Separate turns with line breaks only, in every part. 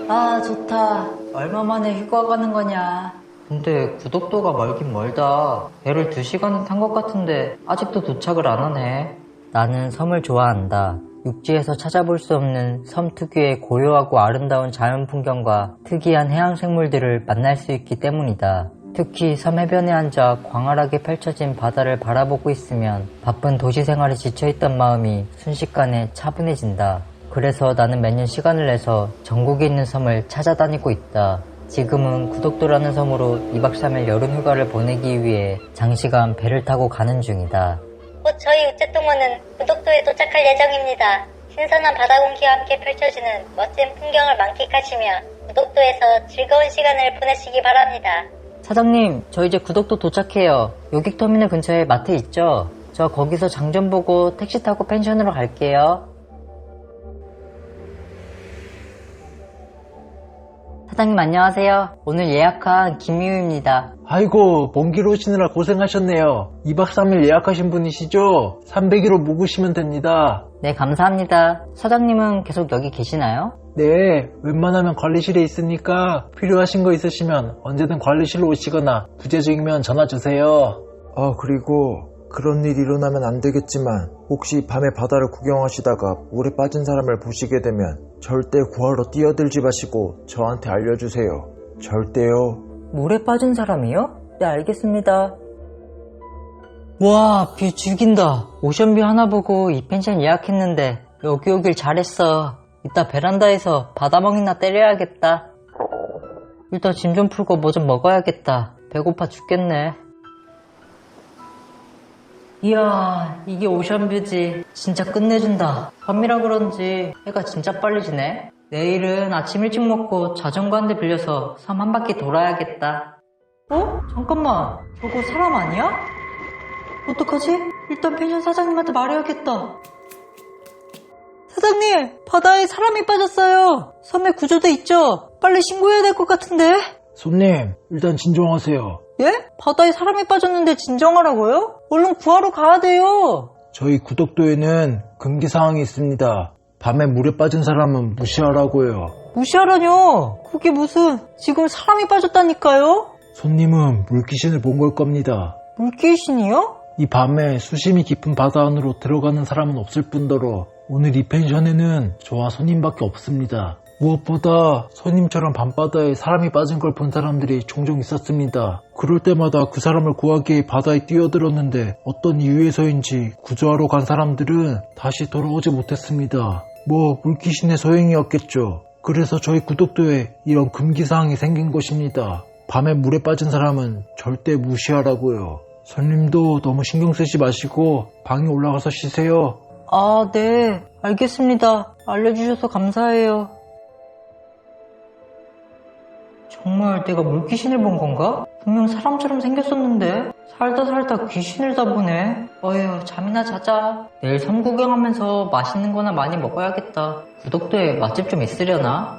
아, 좋다. 얼마 만에 휴가 가는 거냐. 근데 구독도가 멀긴 멀다. 배를 2시간은 탄 것 같은데 아직도 도착을 안 하네. 나는 섬을 좋아한다. 육지에서 찾아볼 수 없는 섬 특유의 고요하고 아름다운 자연 풍경과 특이한 해양 생물들을 만날 수 있기 때문이다. 특히 섬 해변에 앉아 광활하게 펼쳐진 바다를 바라보고 있으면 바쁜 도시 생활에 지쳐있던 마음이 순식간에 차분해진다. 그래서 나는 매년 시간을 내서 전국에 있는 섬을 찾아다니고 있다. 지금은 구독도라는 섬으로 2박 3일 여름 휴가를 보내기 위해 장시간 배를 타고 가는 중이다.
곧 저희 우체통원은 구독도에 도착할 예정입니다. 신선한 바다 공기와 함께 펼쳐지는 멋진 풍경을 만끽하시며 구독도에서 즐거운 시간을 보내시기 바랍니다.
사장님, 저 이제 구독도 도착해요. 요객터미널 근처에 마트 있죠? 저 거기서 장 좀 보고 택시 타고 펜션으로 갈게요. 사장님 안녕하세요. 오늘 예약한 김미우입니다.
아이고, 먼 길 오시느라 고생하셨네요. 2박 3일 예약하신 분이시죠? 301호 묵으시면 됩니다.
네, 감사합니다. 사장님은 계속 여기 계시나요?
네, 웬만하면 관리실에 있으니까 필요하신 거 있으시면 언제든 관리실로 오시거나 부재중이면 전화 주세요. 그리고 그런 일이 일어나면 안 되겠지만 혹시 밤에 바다를 구경하시다가 물에 빠진 사람을 보시게 되면 절대 구하러 뛰어들지 마시고 저한테 알려주세요. 절대요.
물에 빠진 사람이요? 네, 알겠습니다. 와, 뷰 죽인다. 오션뷰 하나 보고 이 펜션 예약했는데 여기 오길 잘했어. 이따 베란다에서 바다멍이나 때려야겠다. 일단 짐 좀 풀고 뭐 좀 먹어야겠다. 배고파 죽겠네. 이야, 이게 오션뷰지. 진짜 끝내준다. 밤이라 그런지 해가 진짜 빨리 지네. 내일은 아침 일찍 먹고 자전거 한 대 빌려서 섬 한 바퀴 돌아야겠다. 어? 잠깐만, 저거 사람 아니야? 어떡하지? 일단 펜션 사장님한테 말해야겠다. 사장님, 바다에 사람이 빠졌어요. 섬에 구조대 있죠? 빨리 신고해야 될 것 같은데.
손님, 일단 진정하세요.
예? 바다에 사람이 빠졌는데 진정하라고요? 얼른 구하러 가야 돼요.
저희 구독도에는 금기사항이 있습니다. 밤에 물에 빠진 사람은 무시하라고요.
무시하라뇨. 그게 무슨, 지금 사람이 빠졌다니까요?
손님은 물귀신을 본 걸 겁니다.
물귀신이요?
이 밤에 수심이 깊은 바다 안으로 들어가는 사람은 없을 뿐더러 오늘 이 펜션에는 저와 손님밖에 없습니다. 무엇보다 손님처럼 밤바다에 사람이 빠진 걸 본 사람들이 종종 있었습니다. 그럴 때마다 그 사람을 구하기 위해 바다에 뛰어들었는데 어떤 이유에서인지 구조하러 간 사람들은 다시 돌아오지 못했습니다. 물귀신의 소행이었겠죠. 그래서 저희 구독도에 이런 금기사항이 생긴 것입니다. 밤에 물에 빠진 사람은 절대 무시하라고요. 손님도 너무 신경 쓰지 마시고 방에 올라가서 쉬세요.
아, 네. 알겠습니다. 알려주셔서 감사해요. 정말 내가 물귀신을 본 건가? 분명 사람처럼 생겼었는데 살다 귀신을 다 보네. 어휴, 잠이나 자자. 내일 섬 구경하면서 맛있는 거나 많이 먹어야겠다. 구독도에 맛집 좀 있으려나?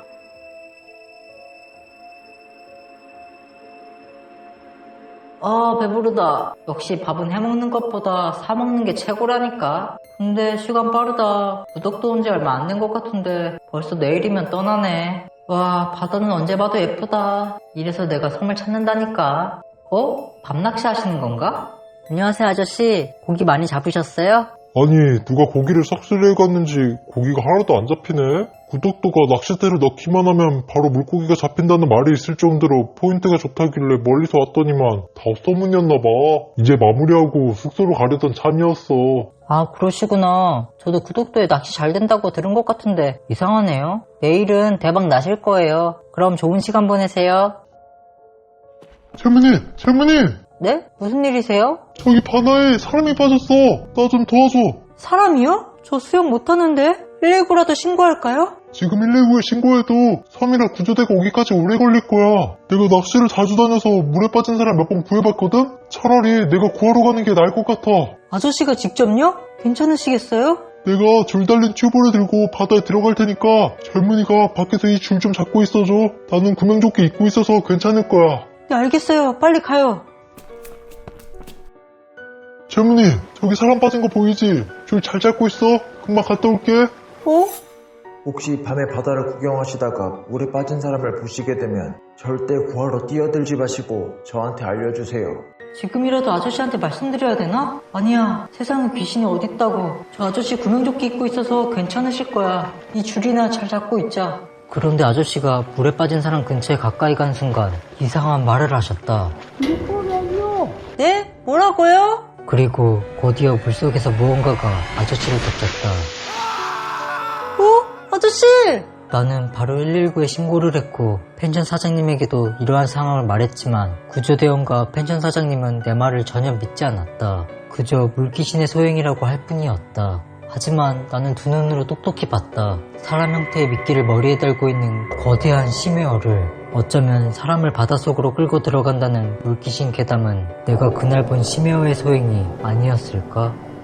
아, 배부르다. 역시 밥은 해먹는 것보다 사먹는 게 최고라니까. 근데 시간 빠르다. 구독도 온 지 얼마 안 된 것 같은데 벌써 내일이면 떠나네. 와, 바다는 언제 봐도 예쁘다. 이래서 내가 섬을 찾는다니까. 밤낚시 하시는 건가? 안녕하세요, 아저씨. 고기 많이 잡으셨어요?
아니, 누가 고기를 싹쓸이해 갔는지 고기가 하나도 안 잡히네? 구독도가 낚싯대를 넣기만 하면 바로 물고기가 잡힌다는 말이 있을 정도로 포인트가 좋다길래 멀리서 왔더니만 다 소문이었나봐. 이제 마무리하고 숙소로 가려던 참이었어.
아, 그러시구나. 저도 구독도에 낚시 잘 된다고 들은 것 같은데 이상하네요. 내일은 대박 나실 거예요. 그럼 좋은 시간 보내세요.
젊은이!
네? 무슨 일이세요?
저기 바다에 사람이 빠졌어. 나 좀 도와줘.
사람이요? 저 수영 못하는데 119라도 신고할까요?
지금 119에 신고해도 섬이라 구조대가 오기까지 오래 걸릴 거야. 내가 낚시를 자주 다녀서 물에 빠진 사람 몇 번 구해봤거든? 차라리 내가 구하러 가는 게 나을 것 같아.
아저씨가 직접요? 괜찮으시겠어요?
내가 줄 달린 튜브를 들고 바다에 들어갈 테니까 젊은이가 밖에서 이 줄 좀 잡고 있어줘. 나는 구명조끼 입고 있어서 괜찮을 거야.
네, 알겠어요. 빨리 가요.
젊은이, 저기 사람 빠진 거 보이지? 줄 잘 잡고 있어. 금방 갔다 올게.
혹시 밤에 바다를 구경하시다가 물에 빠진 사람을 보시게 되면 절대 구하러 뛰어들지 마시고 저한테 알려주세요.
지금이라도 아저씨한테 말씀드려야 되나? 아니야, 세상에 귀신이 어딨다고. 저 아저씨 구명조끼 입고 있어서 괜찮으실 거야. 이 줄이나 잘 잡고 있자. 그런데 아저씨가 물에 빠진 사람 근처에 가까이 간 순간 이상한 말을 하셨다. 네? 뭐라고요? 그리고 곧이어 물속에서 무언가가 아저씨를 덮쳤다. 아저씨! 나는 바로 119에 신고를 했고 펜션 사장님에게도 이러한 상황을 말했지만 구조대원과 펜션 사장님은 내 말을 전혀 믿지 않았다. 그저 물귀신의 소행이라고 할 뿐이었다. 하지만 나는 두 눈으로 똑똑히 봤다. 사람 형태의 미끼를 머리에 달고 있는 거대한 심해어를. 어쩌면 사람을 바닷속으로 끌고 들어간다는 물귀신 괴담은 내가 그날 본 심해어의 소행이 아니었을까?